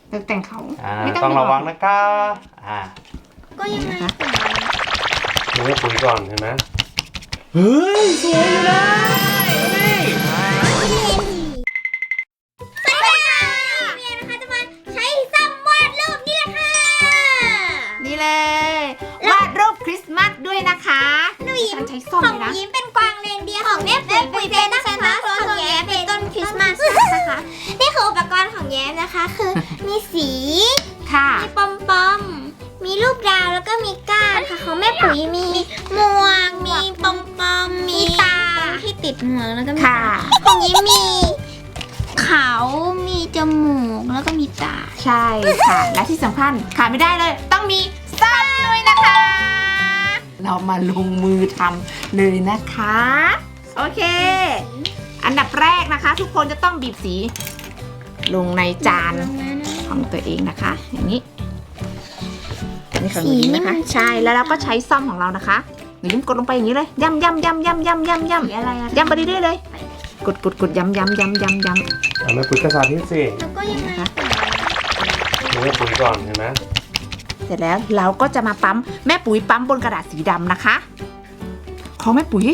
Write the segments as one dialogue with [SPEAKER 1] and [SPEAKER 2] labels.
[SPEAKER 1] ตกแต่งเขา
[SPEAKER 2] ไม่ต้องระวังนะคะ
[SPEAKER 3] ก็ยังไง
[SPEAKER 2] ดูให้ปุ๋ยก่อนเห็นไหมเฮ้ยสวยอยู่นะนี่
[SPEAKER 3] สวัสดีค่ะเมียนะคะจะมาใช้ซ้ำวาดรูปนี่แหละค่ะ
[SPEAKER 1] นี่เลยวาดรูปคริสต์มาสด้วยนะคะ
[SPEAKER 3] หนูยิ้ม
[SPEAKER 1] ใช้ส้ม
[SPEAKER 3] ของ
[SPEAKER 1] เลยนะ
[SPEAKER 3] ยิ้มเป็นกวางเรนเดียร์ของแม่ปุ๋ยเป็นซานต้าคลอสของแย้มเป็นต้นคริสต์มาสนะคะนี่คืออุปกรณ์ของแย้มนะคะคือมีสี
[SPEAKER 1] ค่ะ
[SPEAKER 3] มีปอมปอมมีลูกดาวแล้วก็มีก้านค่ะของแม่ปุ๋ยมีหมวกมีปอมปอมมีตาที่ติดหมวกแล้วก็มี
[SPEAKER 1] ค่ะ
[SPEAKER 3] ของยิ้มมีเขามีจมูกแล้วก็มีตา
[SPEAKER 1] ใช่ค่ะ และที่สำคัญขาดไม่ได้เลย ต้องมีส้มด้วยนะคะ เรามาลงมือทำเลยนะคะ โอเค อันดับแรกนะคะ ทุกคนจะต้องบีบสี ลงในจานของตัวเองนะคะ อย่างนี้อันนี้ของหนูยิ้มนะคะ ใช่แล้วเราก็ใช้ซ่อมของเรานะคะหนูยิ้มกดลงไปอย่างนี้เลยย่ำย่ำย่ำย่ำย่ำย่ำย่ำ
[SPEAKER 3] อะไรอะ
[SPEAKER 1] ย่ำไปเรื่อยๆเลย กดย่ำย่ำย่ำย่ำย่ำ
[SPEAKER 2] แม่ปุ๋ยกระสาที่สิ
[SPEAKER 3] แล้วก็ยังไง
[SPEAKER 2] ดูให้ปุ๋ยก่อนเห็นไหม
[SPEAKER 1] เสร็จแล้วเราก็จะมาปั๊มแม่ปุ๋ยปั๊มบนกระดาษสีดำนะคะ ของแม่ปุ๋ย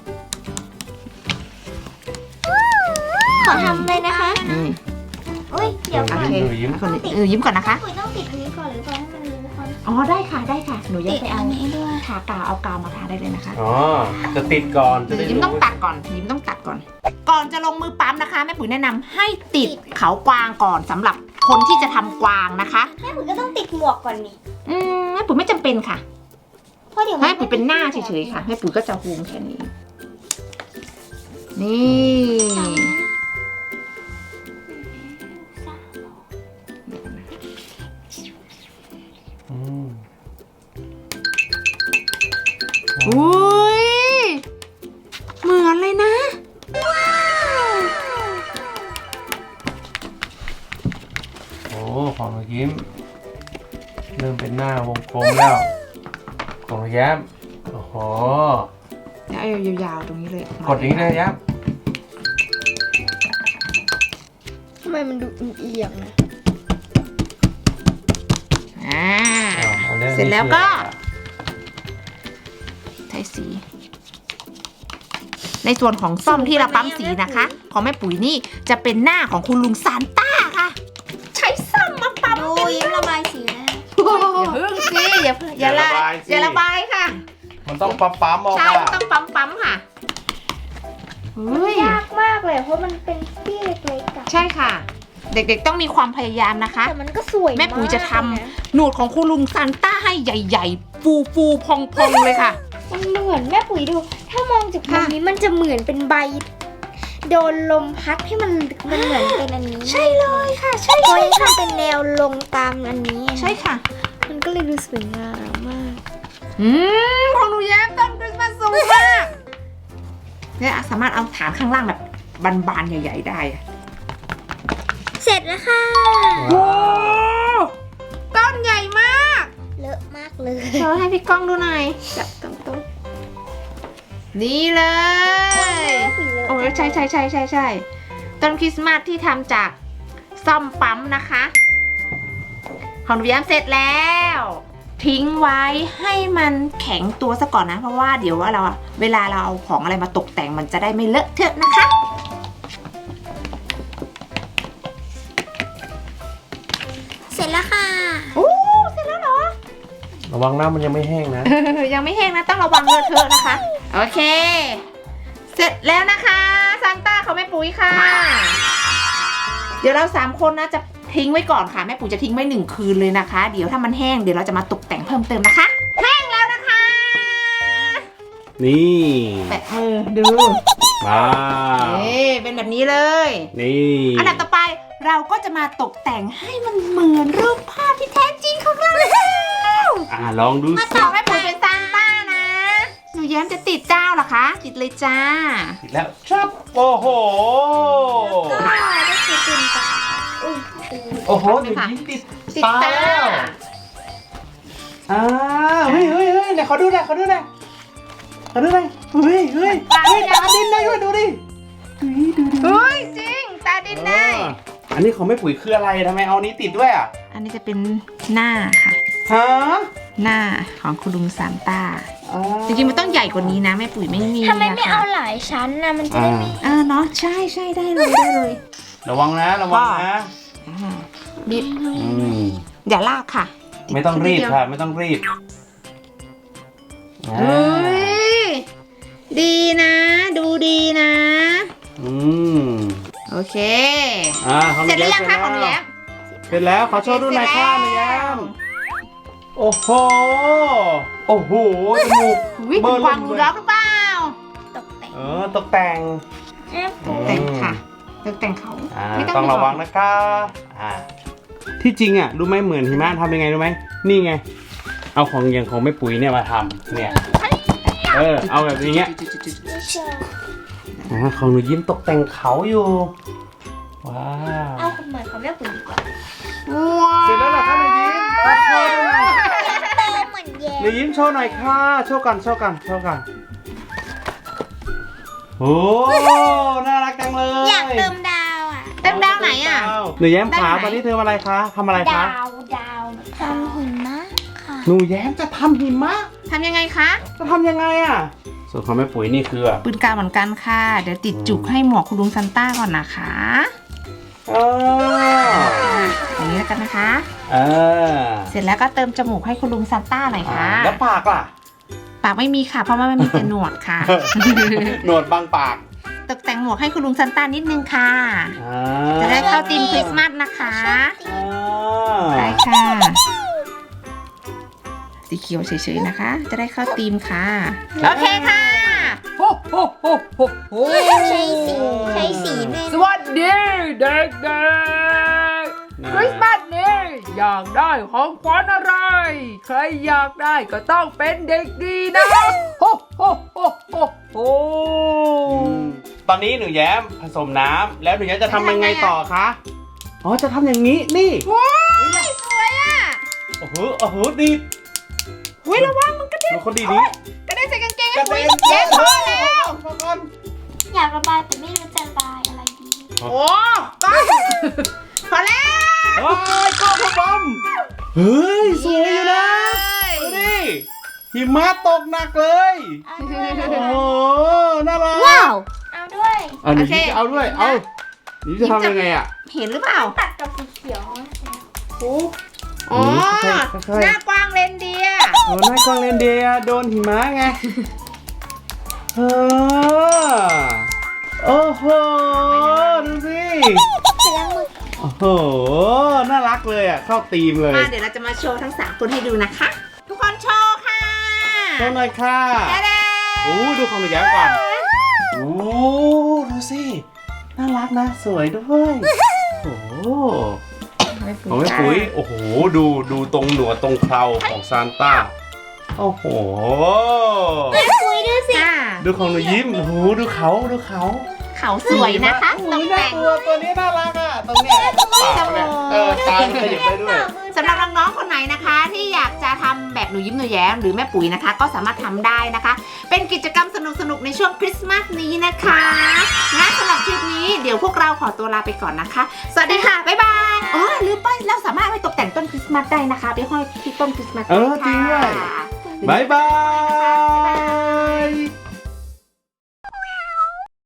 [SPEAKER 3] ขอทำเลยนะคะ
[SPEAKER 1] นี่
[SPEAKER 3] อุ้ยเดี๋ยว
[SPEAKER 1] โอ
[SPEAKER 3] ก่อน
[SPEAKER 1] เค
[SPEAKER 2] ยิ้ม
[SPEAKER 1] คนยิ้มก่อนนะคะ
[SPEAKER 3] ปุ๋ยต้องติดอันนี้ก่อนหรือเปล่าให้มันรู้ความ
[SPEAKER 1] อ๋อได้ค่ะได้ค่ะหนูยังไปเอา
[SPEAKER 3] ติดอันนี้ด้วย
[SPEAKER 1] ทากาวเอากาวมาทาได้เลยนะคะ
[SPEAKER 2] อ๋อจะติดก่อนจะได้
[SPEAKER 1] ยิ้มต้องตัดก่อนยิ้มต้องตัดก่อน ก่อนจะลงมือปั๊มนะคะแม่ปุ๋ยแนะนำให้ติดเขากวางก่อนสำหรับคนที่จะทำกวางนะคะ
[SPEAKER 3] แม่ปุ๋ยก็ต้องติดหมวกก่อนนี่
[SPEAKER 1] แม่ปุ๋ยไม่จำเป็นค่ะ
[SPEAKER 3] เพราะเดี๋ยว
[SPEAKER 1] แม่ปุ๋ยเป็นหน้าเฉยๆค่ะแม่ปุ๋ยก็จะฮูมแค่นี้นี่
[SPEAKER 2] อืม
[SPEAKER 1] อุ้ยเหมือนเลยนะ
[SPEAKER 2] โอ้ของหนูยิ้มเริ่มเป็นหน้าวงกลมแล้วของหนูแย้มโอ้โห
[SPEAKER 1] แล้วเอายาวๆตรงนี้เลย
[SPEAKER 2] กดอย่างนี้เลยแย้ม
[SPEAKER 3] ทำไมมันดูเอียงนะ
[SPEAKER 2] อันนี้
[SPEAKER 1] เสร็จแล้วก็ใช้สี ในส่วนของซ่อมที่เราปั๊มสีนะคะ ของแม่ปุ๋ยนี่จะเป็นหน้าของคุณลุงซานต้าค่ะ ใช้ซ่อมมาปั๊ม
[SPEAKER 3] ดูยิ้มระบายสีแล้ว
[SPEAKER 1] อย่าเพิ่งสิอย่าระบายค่ะ
[SPEAKER 2] มันต้องปั๊มออก
[SPEAKER 1] ใช่
[SPEAKER 2] ค่ะ
[SPEAKER 1] ต้องปั๊มค่ะเฮ้ย
[SPEAKER 3] ยากมากเลยเพราะมันเป็นที่เล็กๆอะ
[SPEAKER 1] ใช่ค่ะ เด็กๆต้องมีความพยายามนะคะ
[SPEAKER 3] แต่มันก็สวย
[SPEAKER 1] แม่ปุ๋ยจะทำ
[SPEAKER 3] มากเลยนะ
[SPEAKER 1] หนวดของคุณลุงซานต้าให้ใหญ่ๆ ฟูๆพองๆเลยค่ะ
[SPEAKER 3] มันเหมือนแม่ปุ๋ยดู ถ้ามองจากมุม
[SPEAKER 1] ค่ะ
[SPEAKER 3] นี้มันจะเหมือนเป็นใบ โดนลมพัดให้มันเหมือนเป็นอันนี้
[SPEAKER 1] ใช่เลยค่ะ ใช่
[SPEAKER 3] เพราะ
[SPEAKER 1] ใช่
[SPEAKER 3] ยัง
[SPEAKER 1] ค่ะ
[SPEAKER 3] ทำเป็นแนวลงตามอันนี้
[SPEAKER 1] ใช่ค่ะ
[SPEAKER 3] มันก็เลยดูสวยงามมาก
[SPEAKER 1] ของหนูแย้มต้นคริสต์มาสสูงมากเนี่ยสามารถเอาฐานข้างล่างแบบบานๆใหญ่ๆได้อะ
[SPEAKER 3] เสร็จแล้วค่ะ
[SPEAKER 1] โอ้ต้นใหญ่มาก
[SPEAKER 3] เลอะมากเลย
[SPEAKER 1] เธอให้พี่ก้องดูหน่อยจับตรงๆนี่เลยโอ้ยใช่ต้นคริสต์มาสที่ทำจากซ่อมปั๊มนะคะ ของหนูแย้มเสร็จแล้ว ทิ้งไว้ให้มันแข็งตัวซะก่อนนะเพราะว่าเดี๋ยวว่าเวลาเราเอาของอะไรมาตกแต่งมันจะได้ไม่เลอะเทอะนะคะ
[SPEAKER 3] เสร็จแล้วค่ะ
[SPEAKER 1] โอ้เสร็จแล้วเหรอ
[SPEAKER 2] ระวังหน้ามันยังไม่แห้งนะ
[SPEAKER 1] ยังไม่แห้งนะต้องระวังเลอะเทอะนะคะ โอเค เสร็จแล้วนะคะซานต้าของแม่ปุ๋ยค่ะ เดี๋ยวเรา3คนนะจะทิ้งไว้ก่อนค่ะแม่ปุ๋ยจะทิ้งไว้1 คืนเลยนะคะ เดี๋ยวถ้ามันแห้งเดี๋ยวเราจะมาตกแต่งเพิ่มเติมนะคะแห้งแล้วนะคะ
[SPEAKER 2] นี่
[SPEAKER 1] แปะมือดู
[SPEAKER 2] ว้าว
[SPEAKER 1] นี่เป็นแบบนี้เลย
[SPEAKER 2] นี่
[SPEAKER 1] อันดับต่อไปเราก็จะมาตกแต่งให้มันเหมือนรูปภาพที่แท้จริงของเราแล้ว
[SPEAKER 2] ลองดู
[SPEAKER 1] มา
[SPEAKER 2] สิ
[SPEAKER 1] ต่อให้ปุ๋ยเป็นซานต้านะหนูแย้มจะติดเจ้าเหรอคะติดเลยจ้า
[SPEAKER 2] ติดแล้วครับโอ้โห
[SPEAKER 3] ก็ได้คือตินกับอุ้ย
[SPEAKER 2] โอ้โหเดี๋ยวยิ้มติด
[SPEAKER 1] ติด
[SPEAKER 2] ตา
[SPEAKER 1] ตา
[SPEAKER 2] แล้วเฮ้ยไหนขอดูหน่อยเฮ้ยตาดินได้ด้วยดูดิ
[SPEAKER 1] เฮ้ยจริงตาดินได้
[SPEAKER 2] อันนี้ของแม่ปุ๋ยคืออะไรทำไมเอานี้ติดด้วยอ่ะ
[SPEAKER 1] อันนี้จะเป็นหน้าค่ะ
[SPEAKER 2] ฮะ
[SPEAKER 1] หน้าของคุณลุงซานต้าจริงๆมันต้องใหญ่กว่านี้นะแม่ปุ๋ยไม่มี
[SPEAKER 3] ทำไมไม่
[SPEAKER 1] ะค่ะ
[SPEAKER 3] เอาหลายชั้นนะมันจะได้ไม่
[SPEAKER 1] เนาะใช่ใช่ได้เลยได้เลย
[SPEAKER 2] ระวังนะระวังนะ
[SPEAKER 1] บิด
[SPEAKER 2] อืม
[SPEAKER 1] อย่าลากค่ะ
[SPEAKER 2] ไม่ต้องรีบค่ะไม่ต้องรีบ
[SPEAKER 1] เฮ้ยดีนะ ดูดีนะ
[SPEAKER 2] อืม
[SPEAKER 1] โอเค
[SPEAKER 2] ของ
[SPEAKER 1] เสร็จหรือยังคะของหนู
[SPEAKER 2] แย้
[SPEAKER 1] แย้
[SPEAKER 2] ม
[SPEAKER 1] ม
[SPEAKER 2] เสร็จแล้วขอโชว์ดูหน่อยค่ะหนูแย้มโอ้โหโอ้โหจมูก
[SPEAKER 1] วิ่งเป็นกวางรูดอฟหรือเปล่า
[SPEAKER 3] ตกแต่ง
[SPEAKER 2] ตกแต่ง
[SPEAKER 3] แม่ปุ๋ย
[SPEAKER 1] แต่งค่ะแต่งเขาไม่
[SPEAKER 2] ต้องระวังนะคะที่จริงอ่ะรู้ไหมเหมือนหิมะทำยังไงรู้ไหมนี่ไง เอาของอย่างของแม่ปุ๋ยเนี่ยมาทำเนี่ยเอาแบบนี้เงี้ย
[SPEAKER 3] ไม่เชื่อ
[SPEAKER 2] ของหนูยิ้มตกแต่งเขาอยู่ว้าว
[SPEAKER 3] เอาเหมือนของแม่ปุ๋ยดีกว่า
[SPEAKER 1] ว้าว
[SPEAKER 2] เสร็จแล้วเหรอคะหนูยิ้มโชว์ดูหน่อย
[SPEAKER 3] เติมเหมือนแย้
[SPEAKER 2] หนูยิ้มโชว์หน่อยค่ะโชว์กันโอ้น่ารักจังเลย
[SPEAKER 3] อยากเติมดาวอ่ะ
[SPEAKER 1] เต็มดาวไหนอ่ะ
[SPEAKER 2] หนูแย้มขา
[SPEAKER 1] ด้านไหน
[SPEAKER 2] ตอนนี้เธออะไรคะทำอะไรคะ
[SPEAKER 3] ดาวทำหิมะค่ะ
[SPEAKER 2] หนูแย้มจะทำหิมะ
[SPEAKER 1] ทำยังไงคะ
[SPEAKER 2] จะทำยังไงอ่ะส่วนของแม่ปุ๋ยนี่คือ
[SPEAKER 1] ปืนกาวเหมือนกันค่ะ เดี๋ยวติดจุกให้หมวกคุณลุงซันต้าก่อนนะคะ อย่างนี้แล้วกันนะคะ เสร็จแล้วก็เติมจมูกให้คุณลุงซันต้าหน่อยค่ะ
[SPEAKER 2] แล้วปากล่ะ
[SPEAKER 1] ปากไม่มีค่ะ เพราะว่ามันมีแต่หนวดค่ะ
[SPEAKER 2] หนวดบางปาก
[SPEAKER 1] ตกแต่งหมวกให้คุณลุงซันต้านิดนึงค่ะ จะได้เข้าธีมคริสต์มาสนะคะได้ค่ะ สีเขียวเฉยๆนะคะ จะได้เข้าธีมค่ะ โอเคค่ะโอ้โหโหโหโห
[SPEAKER 3] ใช้สีด้วย
[SPEAKER 1] สวัสดีเด็กๆคริสต์มาสนี้อยากได้ของขวัญอะไร ใครอยากได้ก็ต้องเป็นเด็กดีนะโฮโฮโฮโฮโฮ
[SPEAKER 2] ตอนนี้หนูแย้มผสมน้ำแล้วหนูแย้มจะทำยังไงต่อคะอ๋อจะทำอย่างนี้นี่
[SPEAKER 1] ว้ายสวยอ่ะ
[SPEAKER 2] โอ้โหดี
[SPEAKER 1] อุ้ยระวังมันกระเด็น
[SPEAKER 2] ดูคนดีนี้
[SPEAKER 1] กระเด็นใส่กางเกงให้ปุ๋ยเย้พอแล้ว
[SPEAKER 3] อยากระบายแต่ไม่รู้จะระบายอะไรดี
[SPEAKER 1] โอ้ก้อนพอแล้ว
[SPEAKER 2] โอ้ยก็พบอมเฮ้ยสวยอยู่นะดูดิหิมะตกหนักเลย
[SPEAKER 3] เอาด้วย
[SPEAKER 2] โอ้โหน่ารัก
[SPEAKER 3] ว้าวเอาด้วย
[SPEAKER 2] หนูยิ้มจะเอาด้วยเอานี่จะทำยังไงอ่ะ
[SPEAKER 1] เห็นหรือเปล่า
[SPEAKER 3] ตัดกับสีเขียว
[SPEAKER 1] อ๋อ
[SPEAKER 2] ค่อยๆ
[SPEAKER 1] หน้ากว้างเลนเดีย
[SPEAKER 2] โอ้หน้ากล้องเลนเดียโดนหิมะไงโอ้โหดูสิ
[SPEAKER 3] เสร็จแล้วมือ
[SPEAKER 2] โอ้โหน่ารักเลยอ่ะเข้าธีมเลย
[SPEAKER 1] มาเดี๋ยวเราจะมาโชว์ทั้ง3คนให้ดูนะคะ ทุกคนโชว์ค่ะ
[SPEAKER 2] โชว์หน่อยค่ะ
[SPEAKER 1] แดง
[SPEAKER 2] โอ้ดูของหนูแย้มก่อนโอ้ดูสิน่ารักนะสวยด้วยโอ้ของแม่ปุ๋ยโอ้โหดูตรงหนวดตรงเคราของซานต้าโอ้โห
[SPEAKER 3] คุยดูสิ
[SPEAKER 1] ค่ะ
[SPEAKER 2] ดูของหนูยิ้มโอ้โหดูเขา
[SPEAKER 1] เขาสวยนะคะต
[SPEAKER 2] ต
[SPEAKER 1] ก
[SPEAKER 2] ก
[SPEAKER 1] แต่
[SPEAKER 2] แต่
[SPEAKER 1] ง
[SPEAKER 2] งตัวนี้น่ารักอ่ะตรงเนี้ยปากเนี่ยตาขยับได้ด้วย
[SPEAKER 1] สำหรับน้องๆคนไหนนะคะ ที่อยากจะทำแบบหนูยิ้มหนูแย้มหรือแม่ปุ๋ยนะคะ ก็สามารถทำได้นะคะ เป็นกิจกรรมสนุกๆในช่วงคริสต์มาสนี้นะคะงั้นสำหรับคลิปนี้เดี๋ยวพวกเราขอตัวลาไปก่อนนะคะ สวัสดีค่ะบ๊ายบายอ๋อลืมไปเราสามารถไปตกแต่งต้นคริสต์มาสได้นะคะไปห้อยที่ต้นคริสต์มาสได้
[SPEAKER 2] จริงด้วย
[SPEAKER 1] ค่ะ
[SPEAKER 2] บ๊ายบาย